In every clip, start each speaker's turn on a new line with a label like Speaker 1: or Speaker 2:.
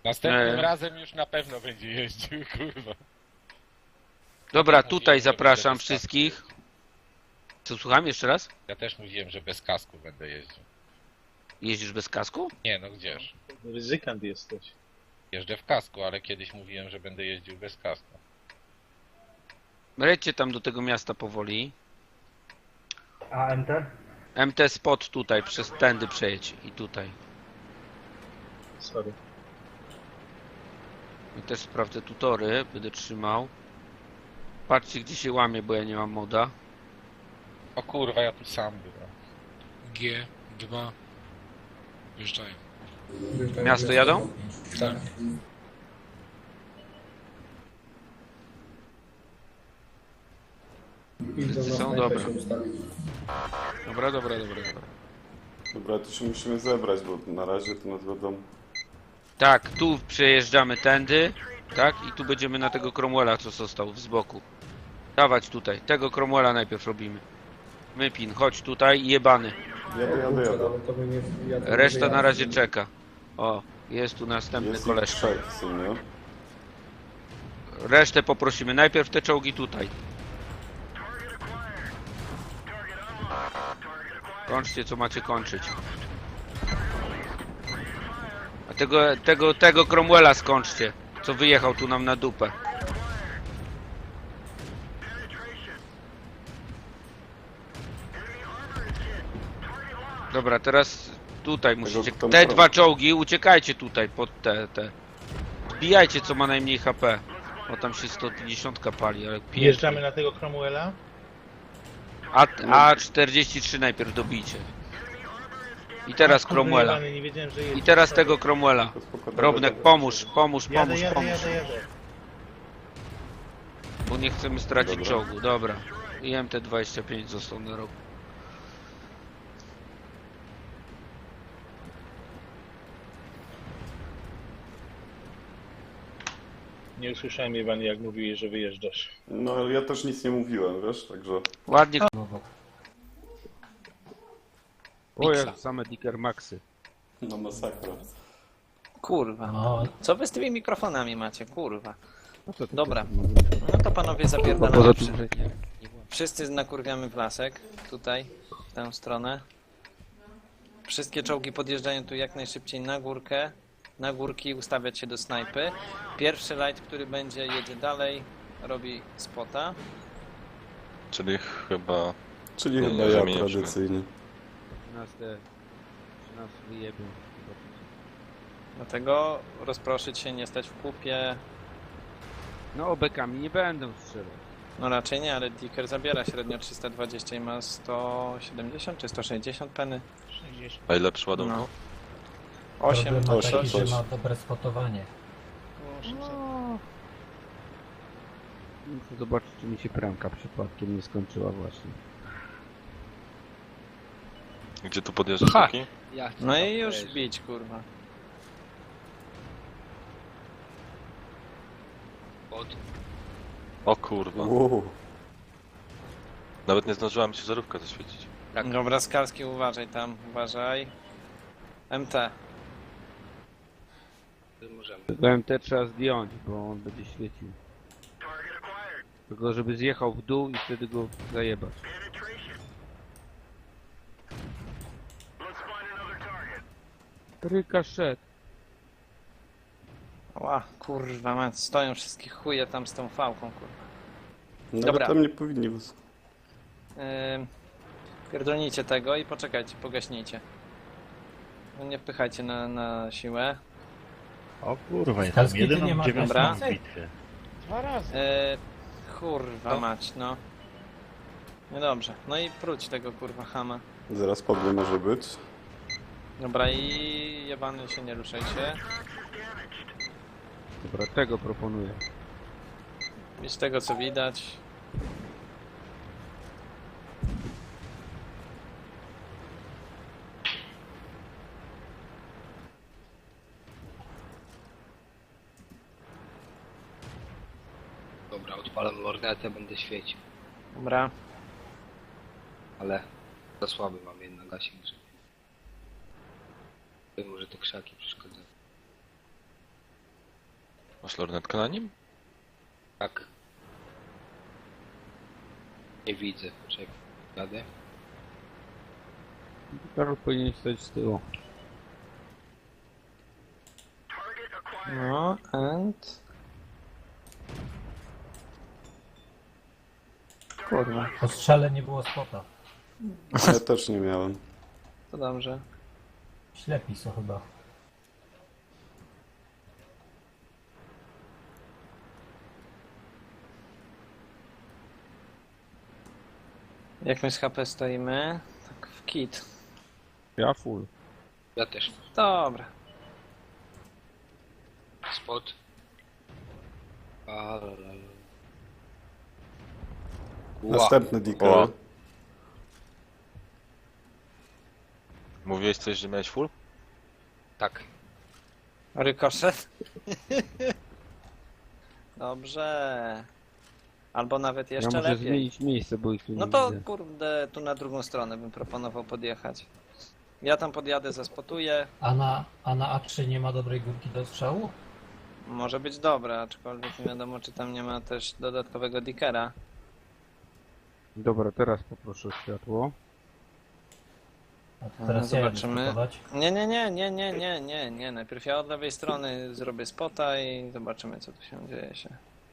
Speaker 1: Następnym razem już na pewno będzie jeździł, kurwa.
Speaker 2: Dobra,
Speaker 1: Mówiłem,
Speaker 2: tutaj
Speaker 1: że
Speaker 2: zapraszam
Speaker 1: będę bez
Speaker 2: wszystkich. Co, słucham jeszcze raz?
Speaker 1: Ja też mówiłem, że bez kasku będę jeździł.
Speaker 2: Jeździsz bez kasku?
Speaker 1: Nie no, gdzież?
Speaker 3: Ryzykant jesteś.
Speaker 1: Jeżdżę w kasku, ale kiedyś mówiłem, że będę jeździł bez kasku.
Speaker 2: Lećcie tam do tego miasta powoli.
Speaker 4: A MT?
Speaker 2: MT spot tutaj, przez tędy przejedź i tutaj.
Speaker 3: Sorry.
Speaker 2: I też sprawdzę tutory, będę trzymał. Patrzcie gdzie się łamie, bo ja nie mam moda.
Speaker 1: O kurwa, ja tu sam byłem.
Speaker 5: G2 wjeżdżają.
Speaker 2: Miasto jadą?
Speaker 5: Tak.
Speaker 2: Wszyscy są? Dobra. Dobra.
Speaker 6: Dobra, to się musimy zebrać, bo na razie to nas będą...
Speaker 2: Tak, tu przejeżdżamy tędy. Tak, i tu będziemy na tego Cromwella, co został z boku. Dawać tutaj, tego Cromwella najpierw robimy. Mypin, chodź tutaj i jebany.
Speaker 6: Jadę.
Speaker 2: Reszta na razie czeka. O, jest tu następny
Speaker 6: Jest ich
Speaker 2: koleż.
Speaker 6: trzech w sumie.
Speaker 2: Resztę poprosimy. Najpierw te czołgi tutaj. Kończcie co macie kończyć. A tego Cromwella skończcie. Co wyjechał tu nam na dupę. Dobra, teraz tutaj musicie.
Speaker 6: kto
Speaker 2: Te
Speaker 6: ma
Speaker 2: dwa czołgi, uciekajcie tutaj pod te. Zbijajcie co ma najmniej HP. O tam się 150 pali, ale pięknie.
Speaker 3: Jeżdżamy na tego Cromwella.
Speaker 2: A43 najpierw dobijcie. I teraz
Speaker 3: Kurwa,
Speaker 2: Cromwella.
Speaker 3: jebany, nie wiedziałem, że jedzie.
Speaker 2: I teraz tego Cromwella.
Speaker 6: To spoko,
Speaker 2: Robnek,
Speaker 6: dobra.
Speaker 2: pomóż.
Speaker 3: Jadę.
Speaker 2: Bo nie chcemy stracić
Speaker 6: Dobra.
Speaker 2: czołgu. Dobra. I MT25 został na rogu.
Speaker 3: Nie usłyszałem, Iwan, jak mówiłeś, że wyjeżdżasz.
Speaker 6: No ale ja też nic nie mówiłem, wiesz, także...
Speaker 2: Ładnie. O, same Dicker Maxy.
Speaker 6: No masakra.
Speaker 7: Kurwa.
Speaker 4: O,
Speaker 7: Co wy z tymi mikrofonami macie, kurwa?
Speaker 2: No to
Speaker 7: Dobra. No to panowie zapierdalamy.
Speaker 2: poza tym, że nie.
Speaker 7: Wszyscy nakurwiamy w lasek. Tutaj, w tę stronę. Wszystkie czołgi podjeżdżają tu jak najszybciej na górkę. Na górki ustawiać się do snajpy. Pierwszy light, który będzie, jedzie dalej. Robi spota.
Speaker 8: Czyli chyba...
Speaker 6: Czyli
Speaker 8: Nie,
Speaker 6: chyba
Speaker 8: nie
Speaker 6: ja
Speaker 8: zamieniliśmy.
Speaker 6: tradycyjnie.
Speaker 2: Nas wyjebią.
Speaker 7: Dlatego rozproszyć się, nie stać w kupie.
Speaker 2: No obekami nie będę strzelać.
Speaker 7: No raczej nie, ale Dicker zabiera średnio 320 i ma 170 czy 160 peny.
Speaker 8: A ile przyładunku?
Speaker 7: No. 8
Speaker 4: problem ma
Speaker 6: osiem,
Speaker 4: taki, że
Speaker 6: coś.
Speaker 4: ma dobre spotowanie.
Speaker 2: Muszę zobaczyć czy mi się premka przypadkiem nie skończyła właśnie.
Speaker 8: Gdzie tu podjeżdżasz
Speaker 2: Ha!
Speaker 8: taki?
Speaker 7: No i już bić, kurwa.
Speaker 8: O kurwa.
Speaker 6: Wow.
Speaker 8: Nawet nie zdążyła mi się żarówka zaświecić.
Speaker 2: Tak.
Speaker 7: Dobra, Skalski, uważaj tam, uważaj. MT.
Speaker 2: Tego MT trzeba zdjąć, bo on będzie świecił. Tylko żeby zjechał w dół i wtedy go zajebać. Rykaszet.
Speaker 7: Ła, kurwa mać, stoją wszystkie chuje tam z tą fałką, kurwa.
Speaker 6: Nawet
Speaker 7: Dobra.
Speaker 6: tam nie powinni was...
Speaker 7: Pierdolnijcie tego i poczekajcie, pogaśnijcie. No nie wpychajcie na siłę.
Speaker 9: O kurwa, jestem
Speaker 4: Skalski, ty
Speaker 9: jedyną
Speaker 4: nie masz
Speaker 9: dziewiątą w
Speaker 4: gaśnicy?
Speaker 9: bitwie.
Speaker 3: 2 razy.
Speaker 7: Kurwa mać, no. Niedobrze. No i próć tego kurwa chama.
Speaker 6: Zaraz padły może być.
Speaker 7: Dobra i jebany się nie ruszajcie.
Speaker 2: Dobra, tego proponuję.
Speaker 7: Z tego co widać.
Speaker 10: Dobra, odpalam lornetę, będę świecił.
Speaker 7: Dobra.
Speaker 10: Ale za słaby mam jednak gaśnik, żeby... Może te krzaki przeszkadzają.
Speaker 8: Masz lornetkę na nim?
Speaker 10: Tak. Nie widzę. Czekaj. Jadę.
Speaker 2: Karol powinien stać z tyłu.
Speaker 7: No, and... Kurwa,
Speaker 4: Po strzale nie było spota.
Speaker 6: Ja też nie miałem.
Speaker 7: to dobrze.
Speaker 4: Ślepi są chyba.
Speaker 7: Jak my z HP stoimy? Tak w kit.
Speaker 2: Ja full.
Speaker 10: Ja też.
Speaker 7: Dobra.
Speaker 10: Spot.
Speaker 6: Następny
Speaker 8: O.
Speaker 6: decal.
Speaker 8: Mówiłeś coś, że miałeś full?
Speaker 10: Tak.
Speaker 7: Rykoszet. Dobrze. Albo nawet
Speaker 2: Ja
Speaker 7: jeszcze
Speaker 2: muszę
Speaker 7: lepiej.
Speaker 2: zmienić miejsce, bo ich tu
Speaker 7: No
Speaker 2: nie
Speaker 7: to
Speaker 2: widzę.
Speaker 7: kurde, tu na drugą stronę bym proponował podjechać. Ja tam podjadę, zaspotuję.
Speaker 4: A na A3 nie ma dobrej górki do strzału?
Speaker 7: Może być dobre, aczkolwiek nie wiadomo, czy tam nie ma też dodatkowego dickera.
Speaker 2: Dobra, teraz poproszę o światło.
Speaker 4: A to teraz ja jadę
Speaker 7: Zobaczymy.
Speaker 4: spotować.
Speaker 7: Nie. Najpierw ja od lewej strony zrobię spota i zobaczymy, co tu się dzieje się.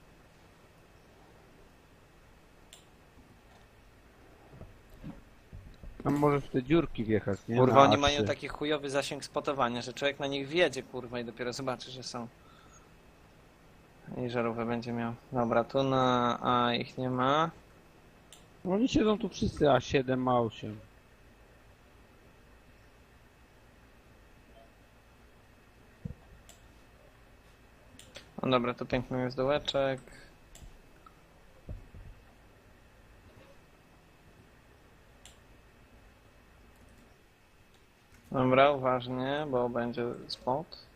Speaker 2: Tam możesz w te dziurki wjechać, nie?
Speaker 7: Kurwa,
Speaker 2: Na
Speaker 7: oni
Speaker 2: A3.
Speaker 7: mają taki chujowy zasięg spotowania, że człowiek na nich wjedzie, kurwa, i dopiero zobaczy, że są. I żarówkę będzie miał. Dobra, tu na A ich nie ma.
Speaker 2: Oni siedzą tu wszyscy A7, A8.
Speaker 7: No dobra, to piękny jest dołeczek. Dobra, uważnie, bo będzie spot.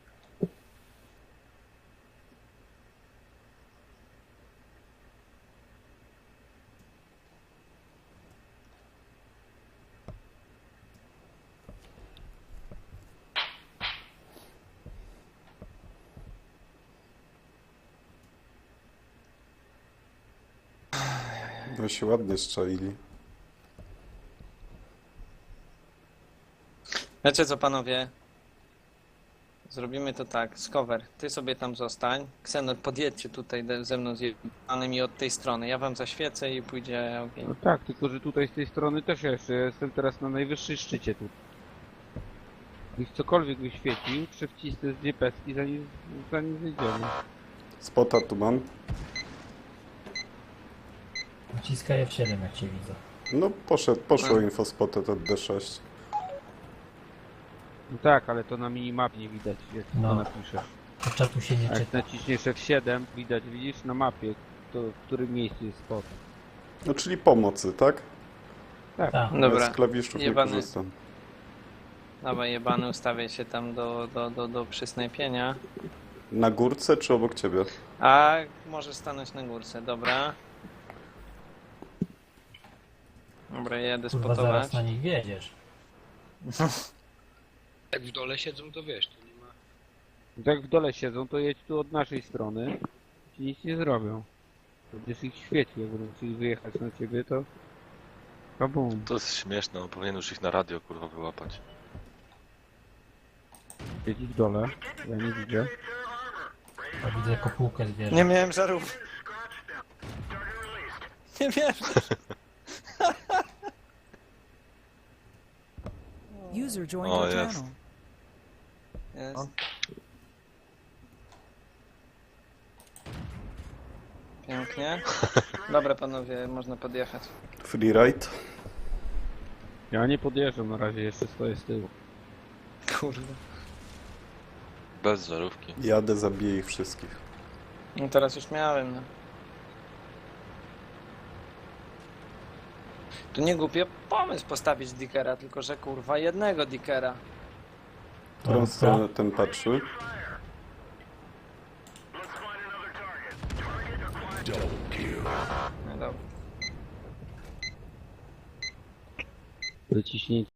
Speaker 6: No się ładnie strzelili.
Speaker 7: Wiecie co, panowie? Zrobimy to tak, Skower, ty sobie tam zostań. Ksenor, podjedźcie tutaj ze mną z jebanymi od tej strony. Ja wam zaświecę i pójdzie ogień.
Speaker 2: No tak, tylko że tutaj z tej strony też jeszcze jestem teraz na najwyższej szczycie tu. Gdybyś cokolwiek wyświecił, przewcisnę z niepeski zanim zejdziemy.
Speaker 6: Spota tu mam.
Speaker 4: Naciskaj F7 jak cię widzę.
Speaker 6: No poszło info spota to D6.
Speaker 2: No tak, ale to na minimapie nie widać, jak
Speaker 4: No.
Speaker 2: to napiszesz.
Speaker 4: To czatu się nie
Speaker 2: A jak
Speaker 4: czyta.
Speaker 2: naciśniesz F7, widać, widzisz na mapie, w którym miejscu jest spot.
Speaker 6: No czyli pomocy, tak?
Speaker 4: Tak.
Speaker 6: Ja
Speaker 7: Dobra,
Speaker 6: z klawiszów nie
Speaker 7: jebany.
Speaker 6: korzystam.
Speaker 7: Dawaj jebany, ustawię się tam do przysnajpienia.
Speaker 6: Na górce czy obok ciebie?
Speaker 7: A może stanąć na górce, dobra. Dobra, jadę
Speaker 4: Kurwa,
Speaker 7: spotować.
Speaker 4: zaraz na nich wiedziesz.
Speaker 10: Jak w dole siedzą, to wiesz, to nie ma.
Speaker 2: No jak w dole siedzą, to jedź tu od naszej strony, ci nic nie zrobią. Będziesz ich świecił, jak będą chcieli wyjechać na ciebie, to... Kabum.
Speaker 8: To jest śmieszne, on powinien już ich na radio kurwa wyłapać.
Speaker 2: Siedzi w dole, ja nie widzę.
Speaker 4: A widzę kopułkę zwierzę.
Speaker 7: Nie miałem żarów. Nie wierzę.
Speaker 11: User joined
Speaker 8: O,
Speaker 11: your
Speaker 8: jest.
Speaker 11: channel.
Speaker 7: Jest. Pięknie. Dobra panowie, można podjechać.
Speaker 6: Freeride.
Speaker 2: Ja nie podjeżdżam na razie, jeszcze stoję z tyłu.
Speaker 7: Kurde.
Speaker 8: Bez żarówki.
Speaker 6: Jadę, zabiję ich wszystkich.
Speaker 7: No teraz już miałem. No. Tu nie głupie pomysł postawić dickera, tylko że kurwa jednego dickera.
Speaker 6: W którą stronę ten patrzy?
Speaker 7: No dobra.
Speaker 2: Wyciśnięcie